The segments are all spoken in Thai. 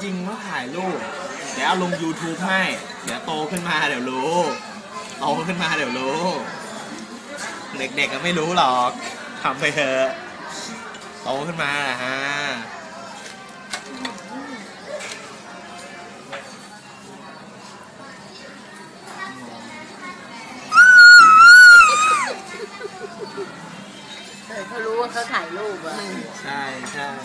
ริงๆว่าถ่ายรูปเดี๋ยวเอาลง YouTube ให้เดี๋ยวโตขึ้นมาเดี๋ยวรู้โตขึ้นมาเดี๋ยวรู้เด็กๆก็ไม่รู้หรอกทำไปเถอะโตขึ้นมาฮะเขารู้ว่าเขาถ่ายรูปอ่ะใช่ใช่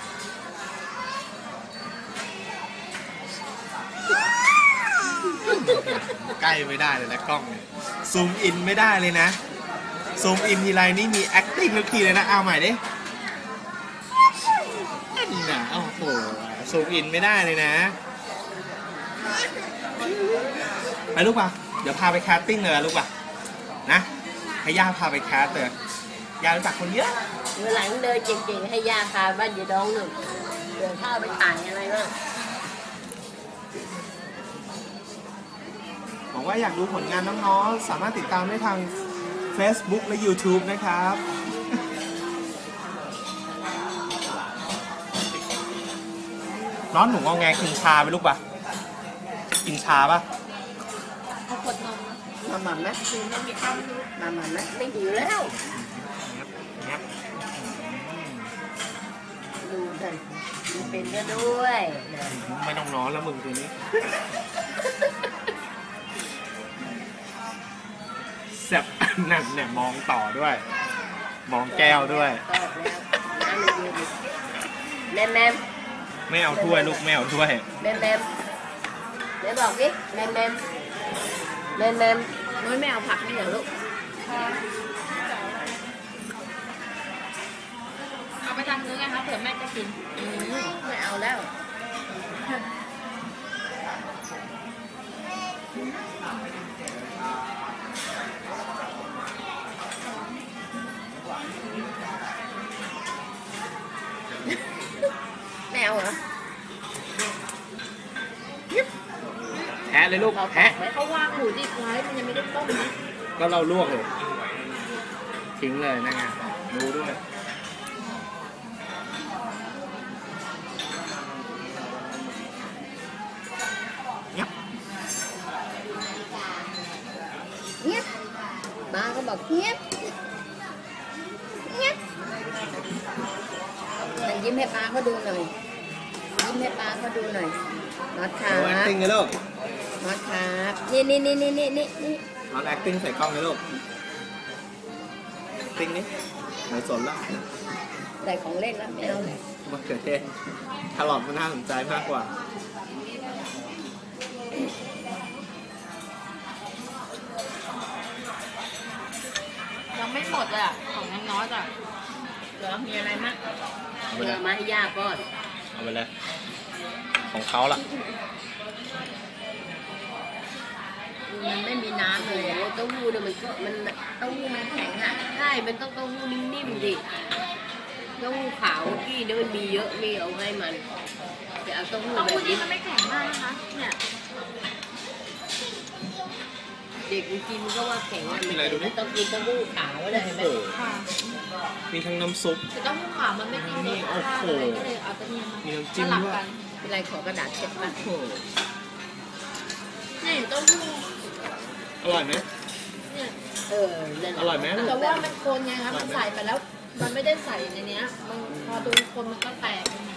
ใกล้ไม่ได้เลยนะกล้องซูมอินไม่ได้เลยนะซูมอินทีไรนี่มี acting ทุกทีเลยนะเอาใหม่ดินี่นะโอ้โหซูมอินไม่ได้เลยนะไปลูกป่ะเดี๋ยวพาไปแคสติ้งเลยลูกป่ะนะให้ย่าพาไปแคสเลยย่ารู้จักคนเยอะเมื่อหลังเดินเก่งๆให้ย่าพาบ้านยายดองหนึ่งเดินเข้าไปถ่ายอะไรบ้างบอกว่าอยากดูผลงานน้องๆสามารถติดตามได้ทาง Facebook และ YouTube นะครับน้องหนูงอแงกินชาไปลูกป่ะกินชาป่ะเอาขวดนมมาหม่ำไหมคือไม่มีข้าวมาหม่ำไหมไม่หิวแล้วดูกันเป็นก็ด้วยไม่ต้องนอนแล้วมึงตัวนี้แซ่บนั่นเนี่ยมองต่อด้วยมองแก้วด้วยแม่แม่ไม่เอาถ้วยลูกไม่เอาถ้วยแม่แม่เดี๋ยวบอกดิแม่แม่แม่แม่น้อยไม่เอาผักไม่เหรอลูกเอาไปทำเนื้อไงคะเผื่อแม่จะกินไม่เอาแล้วไม่เอาเหรอแทะเลยลูกแทะเขาวางหมูดิบไว้มันยังไม่ได้ต้มนะก็เราลวกเลยทิ้งเลยนะไงดูด้วยเงียบมาก็บอกเงียบเงียบมันยิ้มให้ป้าเขาดูหน่อยยิ้มให้ป้าเขาดูหน่อยน็อตครับ acting เลยลูกน็อตครับนี่น็อต acting ใส่กล้องเลยลูก acting นี่ไม่สนละได้ของเล่นแล้วไม่เอาเลยมะเขือเทศแครอทมันน่าสนใจมากกว่ายังไม่หมดอ่ะของน้องน้อยอ่ะเหลือมีอะไรมั้งเหลือมาให้ย่าก่อนเอาไปเลยของเขาล่ะมันไม่มีน้ำเลยเต้าหู้เนี่ยมันเต้าหู้มันแข็งอ่ะใช่มันต้องเต้าหู้นิ่มๆดิเต้าหู้ขาวกี้เนี่ยมันมีเยอะมีเอาให้มันจะเอาเต้าหู้แบบนี้มันไม่แข็งมากนะคะเนี่ยเด็กกินก็ว่าแข็งมันต้องกินเต้าหู้ขาวเลยไหมมีทั้งน้ำซุปแต่เต้าหู้ขาวมันไม่กินนี่โอ้โหมีน้ำจิ้มด้วยเป็นไรขอกระดาษเช็ดปะนี่เต้าหู้อร่อยไหมอร่อยไหมแต่ว่ามันคนไงคะมันใส่ไปแล้วมันไม่ได้ใส่ในนี้มันพอโดนคนมันก็แตก